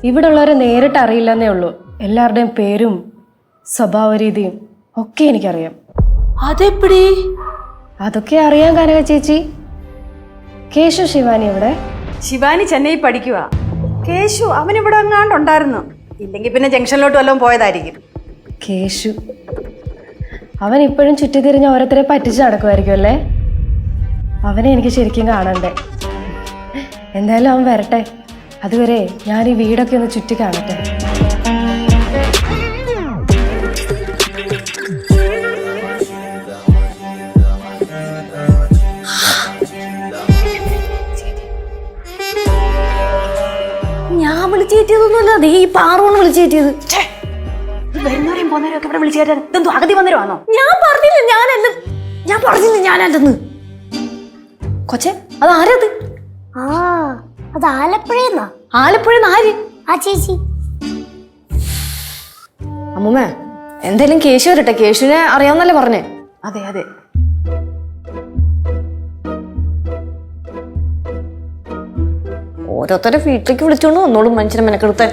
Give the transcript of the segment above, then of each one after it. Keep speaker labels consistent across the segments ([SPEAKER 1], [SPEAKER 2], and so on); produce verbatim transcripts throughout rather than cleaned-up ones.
[SPEAKER 1] ഇവിടെ ഉള്ളവരെ നേരിട്ട് അറിയില്ലെന്നേ ഉള്ളൂ. എല്ലാവരുടെയും പേരും സ്വഭാവ രീതിയും ഒക്കെ എനിക്കറിയാം.
[SPEAKER 2] അതെപ്പടി?
[SPEAKER 1] അതൊക്കെ അറിയാൻ കനക ചേച്ചി. കേശു ശിവാനി എവിടെ?
[SPEAKER 3] ശിവാനി ചെന്നൈ പഠിക്കുക. കേശു അവൻ ഇവിടെ എങ്ങാണ്ടുണ്ടായിരുന്നു. ഇല്ലെങ്കിൽ പിന്നെ ജംഗ്ഷനിലോട്ട് വല്ലതും പോയതായിരിക്കും.
[SPEAKER 1] കേശു അവൻ ഇപ്പോഴും ചുറ്റിത്തിരിഞ്ഞ് ഓരോരുത്തരെ പറ്റിച്ച് നടക്കുമായിരിക്കും അല്ലേ? അവനെ എനിക്ക് ശരിക്കും കാണണ്ടേ. എന്തായാലും അവൻ വരട്ടെ. അതുവരെ ഞാൻ ഈ വീടൊക്കെ ഒന്ന് ചുറ്റി കാണട്ടെ.
[SPEAKER 2] ഞാൻ വിളിച്ചേറ്റിയതൊന്നുമല്ല, നീ ഈ പാറോണ് വിളിച്ചേറ്റിയത്.
[SPEAKER 3] വരുന്നവരെയും പോകുന്നവരും ഒക്കെ ഇവിടെ വിളിച്ചു കയറ്റാൻ ഇതെന്തോ അഗതി വന്നവരാണോ?
[SPEAKER 2] ഞാൻ പറഞ്ഞില്ല ഞാനല്ല, ഞാൻ പറഞ്ഞില്ല ഞാനല്ലെന്ന്. കൊച്ചെ അത് ആരത്?
[SPEAKER 4] ആ അത് ആലപ്പുഴന്നാ.
[SPEAKER 2] ആലപ്പുഴന്ന് ആര്?
[SPEAKER 4] ആ ചേച്ചി.
[SPEAKER 2] അമ്മൂമ്മ എന്തായാലും കേശു വരട്ടെ. കേശുവിനെ അറിയാവുന്നല്ലേ പറഞ്ഞേ?
[SPEAKER 3] അതെ അതെ.
[SPEAKER 2] ഓരോരുത്തരെ വീട്ടിലേക്ക് വിളിച്ചോണ്ട് വന്നോളും മനുഷ്യനെ മെനക്കെടുത്താൻ.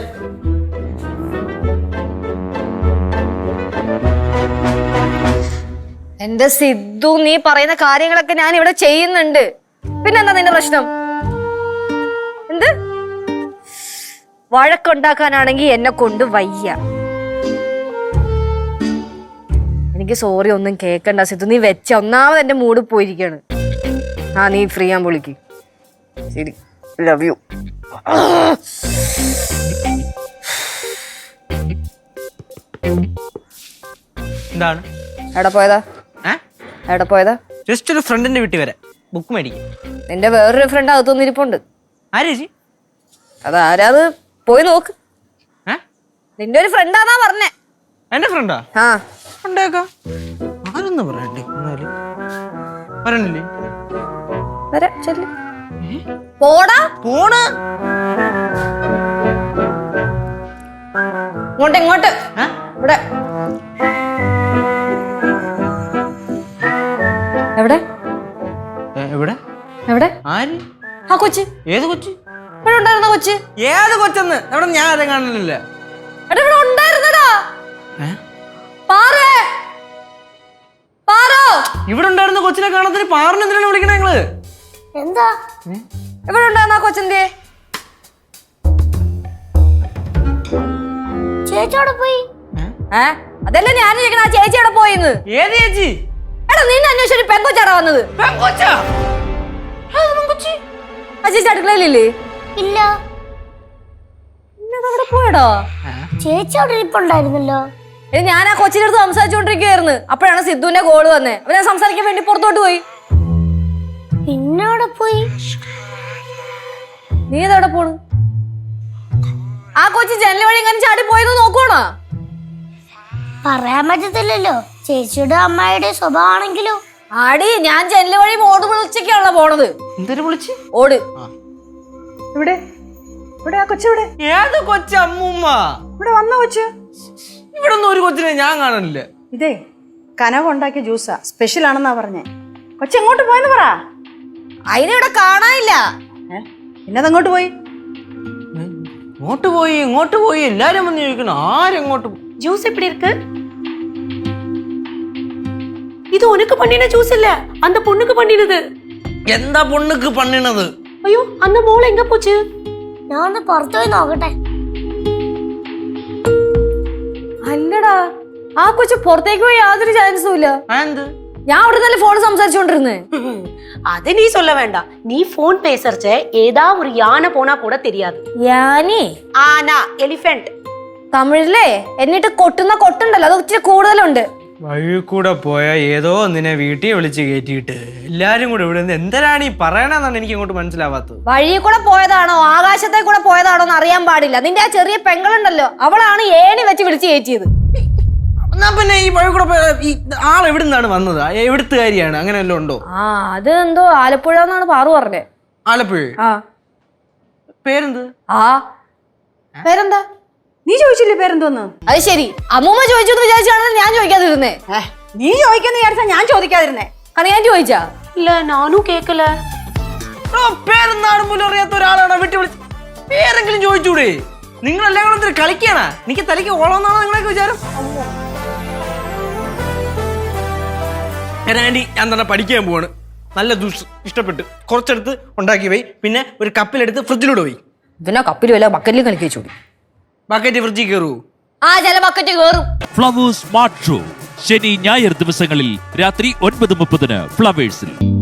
[SPEAKER 2] എന്റെ സിദ്ധു, നീ പറയുന്ന കാര്യങ്ങളൊക്കെ ഞാൻ ഇവിടെ ചെയ്യുന്നുണ്ട്. പിന്നെന്താ നിന്റെ പ്രശ്നം? എന്ത് വഴക്കുണ്ടാക്കാനാണെങ്കിൽ എന്നെ കൊണ്ട് വയ്യ. എനിക്ക് സോറി ഒന്നും കേക്കണ്ട സിദ്ധു. നീ വെച്ച ഒന്നാമത് എന്റെ മൂഡ് പോയിരിക്കാണ്. ആ നീ ഫ്രീ ആൻ വിളിക്ക്. ശരി, ലവ് യു.
[SPEAKER 5] എന്താണ്?
[SPEAKER 2] എവിടെ പോയതാ? എവിടെ പോയതാ?
[SPEAKER 5] ജസ്റ്റ് ഒരു ഫ്രണ്ടിന്റെ വീട്ടിൽ വരെ ബുക്ക് മേടിക്കും.
[SPEAKER 2] നിന്റെ വേറൊരു ഫ്രണ്ട് അകത്തൊന്നും ഇരിപ്പുണ്ട്.
[SPEAKER 5] ആരേച്ചി?
[SPEAKER 2] അതാരാത് പോയി നോക്ക്. നിന്റെ ഒരു ഫ്രണ്ടാന്നാ പറഞ്ഞേ.
[SPEAKER 5] എന്റെ ഫ്രണ്ടാ?
[SPEAKER 2] ആ
[SPEAKER 5] ഉണ്ടേക്കാം. ആരൊന്നും പറയണ്ടേ? പറയണില്ലേ?
[SPEAKER 2] വരാ ചെല്ലു. പോടാ
[SPEAKER 5] പോണ
[SPEAKER 2] ഇങ്ങോട്ട് ഇങ്ങോട്ട് ഇവിടെ. എവിടെ
[SPEAKER 5] എവിടെ
[SPEAKER 2] എവിടെ?
[SPEAKER 5] ആര്?
[SPEAKER 2] ആ കൊച്ച്.
[SPEAKER 5] ഏത് കൊച്ച്?
[SPEAKER 2] ഇവിടെ ഉണ്ടായിരുന്ന കൊച്ച്.
[SPEAKER 5] ഏത് കൊച്ചെന്ന്? എവിടെ? ഞാൻ ആരെ കാണലില്ല.
[SPEAKER 2] എടാ ഇവിടെ ഉണ്ടായിരുന്നടാ. പാറേ പാറോ.
[SPEAKER 5] ഇവിടെ ഉണ്ടായിരുന്ന കൊച്ചിനെ കാണത്തിന് പാറിന് എന്തിനാണ് വിളിക്കണേ നിങ്ങള്?
[SPEAKER 4] എന്താ
[SPEAKER 2] ഇവിടെ ഉണ്ടായിരുന്ന ആ കൊച്ചെന്തേ?
[SPEAKER 4] ചേച്ചോടെ പോയി.
[SPEAKER 2] ഏ അതല്ലേ ഞാൻ ചോദിക്കണ. ആ ചേച്ചി എവിടെ പോയിന്ന്?
[SPEAKER 5] ഏത് ചേച്ചി?
[SPEAKER 2] എടാ നിന്നെ അന്വേഷിച്ചു പെങ്കൊച്ചാടാ വന്നത്. ആ ചേച്ചി അടുക്കളയിലില്ലേ?
[SPEAKER 4] ഇല്ല,
[SPEAKER 2] അവിടെ പോയടോ.
[SPEAKER 4] ചേച്ചി അവിടെ ഇരിപ്പുണ്ടായിരുന്നല്ലോ.
[SPEAKER 2] ഇനി ഞാൻ ആ കൊച്ചിന്റെ അടുത്ത് സംസാരിച്ചോണ്ടിരിക്കുകയായിരുന്നു. അപ്പോഴാണ് സിദ്ധുവിന്റെ കോള് വന്നേ. അപ്പൊ ഞാൻ സംസാരിക്കാൻ വേണ്ടി പുറത്തോട്ട് പോയി.
[SPEAKER 4] പിന്നെ അവിടെ പോയി.
[SPEAKER 2] നീ ഇതവിടെ പോണു? ആ കൊച്ചി ജനൽ വഴി ഇങ്ങനെ ചാടി പോയെന്ന് നോക്കണോ?
[SPEAKER 4] പറയാൻ പറ്റത്തില്ലല്ലോ, ചേച്ചിയുടെ അമ്മായിയുടെ സ്വഭാവമാണെങ്കിലോ.
[SPEAKER 2] ആടി ഞാൻ ജനൽ വഴി ഓട് വിളിച്ചൊക്കെയാണല്ലോ പോണത്.
[SPEAKER 5] എന്തൊരു വിളിച്ച്?
[SPEAKER 2] ഓട്.
[SPEAKER 3] ഇവിടെ ഇവിടെ ആ കൊച്ചെവിടെ?
[SPEAKER 5] ഏത് കൊച്ച? അമ്മൂമ്മ
[SPEAKER 3] ഇവിടെ വന്ന കൊച്ച്.
[SPEAKER 5] ഇവിടെ ഒന്നും ഒരു കൊച്ചിനെ ഞാൻ കാണാനില്ല.
[SPEAKER 3] ഇതേ കനക ഉണ്ടാക്കിയ ജ്യൂസാ, സ്പെഷ്യൽ ആണെന്നാ പറഞ്ഞേ. കൊച്ചു എങ്ങോട്ട് പോയെന്ന് പറ.
[SPEAKER 2] അതിനിവിടെ കാണാനില്ല.
[SPEAKER 3] പിന്നതെങ്ങോട്ട് പോയി?
[SPEAKER 5] ഇങ്ങോട്ട് പോയി ഇങ്ങോട്ട് പോയി എല്ലാരും വന്ന് ചോദിക്കണം ആരെങ്ങോട്ട് പോയി.
[SPEAKER 6] ஜூஸ் எப்படி இருக்கு? இது உனக்கு பண்ணின ஜூஸ் இல்ல, அந்த பொண்ணுக்கு பண்ணினது.
[SPEAKER 5] എന്താ പൊണ്ണുക്ക് പണിണത്?
[SPEAKER 6] ஐயோ அந்த മോൾ എങ്ക പോச்சு?
[SPEAKER 4] ഞാൻ ഒന്ന് പുറത്തു പോയി നോക്കട്ടെ.
[SPEAKER 2] അല്ലടാ ആ കൊച്ചു പുറത്തേക്ക് പോയി യാതൊരു ചാൻസും ഇല്ല.
[SPEAKER 5] എന്ത്?
[SPEAKER 2] ഞാൻ അവിടെ നല്ല ഫോൺ സംസാരിച്ചോണ്ടിരുന്നേ.
[SPEAKER 6] அது நீ சொல்ல வேண்டாம். நீ போன் பேசறச்ச ஏதா ஒரு யானை போனா கூட தெரியாது.
[SPEAKER 2] യാനി?
[SPEAKER 6] ആന, എലിഫന്റ്.
[SPEAKER 2] തമിഴിലെ എന്നിട്ട് കൊട്ടുന്ന കൊട്ടുണ്ടല്ലോ അത് ഇച്ചിരി കൂടുതലുണ്ട്.
[SPEAKER 5] വഴി കൂടെ പോയ ഏതോ ഒന്നിനെ വീട്ടിൽ വിളിച്ച് കയറ്റിയിട്ട് എല്ലാരും കൂടെ ഇവിടെ നിന്ന് എന്തരാണ് ഈ പറയണെന്നാണ് എനിക്ക് ഇങ്ങോട്ട് മനസ്സിലാവാത്തത്.
[SPEAKER 2] വഴിയിൽ കൂടെ പോയതാണോ ആകാശത്തെ കൂടെ പോയതാണോ എന്ന് അറിയാൻ പാടില്ല. നിന്റെ ആ ചെറിയ പെങ്ങളുണ്ടല്ലോ അവളാണ് ഏണി വെച്ച് വിളിച്ച് കയറ്റിയത്.
[SPEAKER 5] എന്നാ പിന്നെ ഈ വഴി കൂടെ പോയ ഈ ആൾ എവിടെ നിന്നാണ് വന്നത്? എവിടുത്തുകാരിയാണ്? അങ്ങനെ വല്ലതും ഉണ്ടോ?
[SPEAKER 2] ആ അത് എന്തോ ആലപ്പുഴ എന്നാണ് പാറു പറഞ്ഞേ.
[SPEAKER 5] ആലപ്പുഴ?
[SPEAKER 2] ആ
[SPEAKER 5] പേരെന്ത്?
[SPEAKER 2] ആ പേരെന്താ?
[SPEAKER 3] നീ ചോദിച്ചില്ലേ പേരെന്തോന്ന്?
[SPEAKER 2] അത് ശരി, അമ്മൂമ്മ ചോദിച്ചു എന്ന് വിചാരിച്ചാണ് ഞാൻ ചോദിക്കാതിരുന്നേ.
[SPEAKER 3] നീ ചോദിക്കാന്ന് വിചാരിച്ചാ ഞാൻ ചോദിക്കാതിരുന്നേ.
[SPEAKER 2] അത് ഞാൻ ചോദിച്ചാ?
[SPEAKER 6] ഇല്ല, നാനും കേക്കല.
[SPEAKER 5] പേരെന്നാണ് പോലും അറിയാത്ത ഒരാളാണ് വീട്ടിൽ വിളിച്ച് പേരെങ്കിലും ചോദിച്ചൂടെ? നിങ്ങളെല്ലാം കൂടെ എന്തൊരു കളിക്കാനാ? എനിക്ക് തലയ്ക്ക് ഓളമെന്നാണോ നിങ്ങളൊക്കെ വിചാരം? ആൻറ്റി, ഞാൻ തന്നെ പഠിക്കാൻ പോവാണ്. നല്ല ജ്യൂസ് ഇഷ്ടപ്പെട്ട് കുറച്ചെടുത്ത് ഉണ്ടാക്കി പോയി, പിന്നെ ഒരു കപ്പിലെടുത്ത് ഫ്രിഡ്ജിലൂടെ പോയി.
[SPEAKER 2] പിന്നെ കപ്പിലും അല്ല ബക്കറ്റിലും കളിക്കേ ചൂടി.
[SPEAKER 5] ബക്കറ്റ് ഫ്രിഡ്ജിൽ കയറൂ?
[SPEAKER 2] ആ ചില ബക്കറ്റ് കയറും.
[SPEAKER 7] ഫ്ലവേഴ്സ് സ്മാർട്ട് ഷോ ശനി ഞായർ ദിവസങ്ങളിൽ രാത്രി ഒൻപത് മുപ്പതിന് ഫ്ലവേഴ്സിൽ.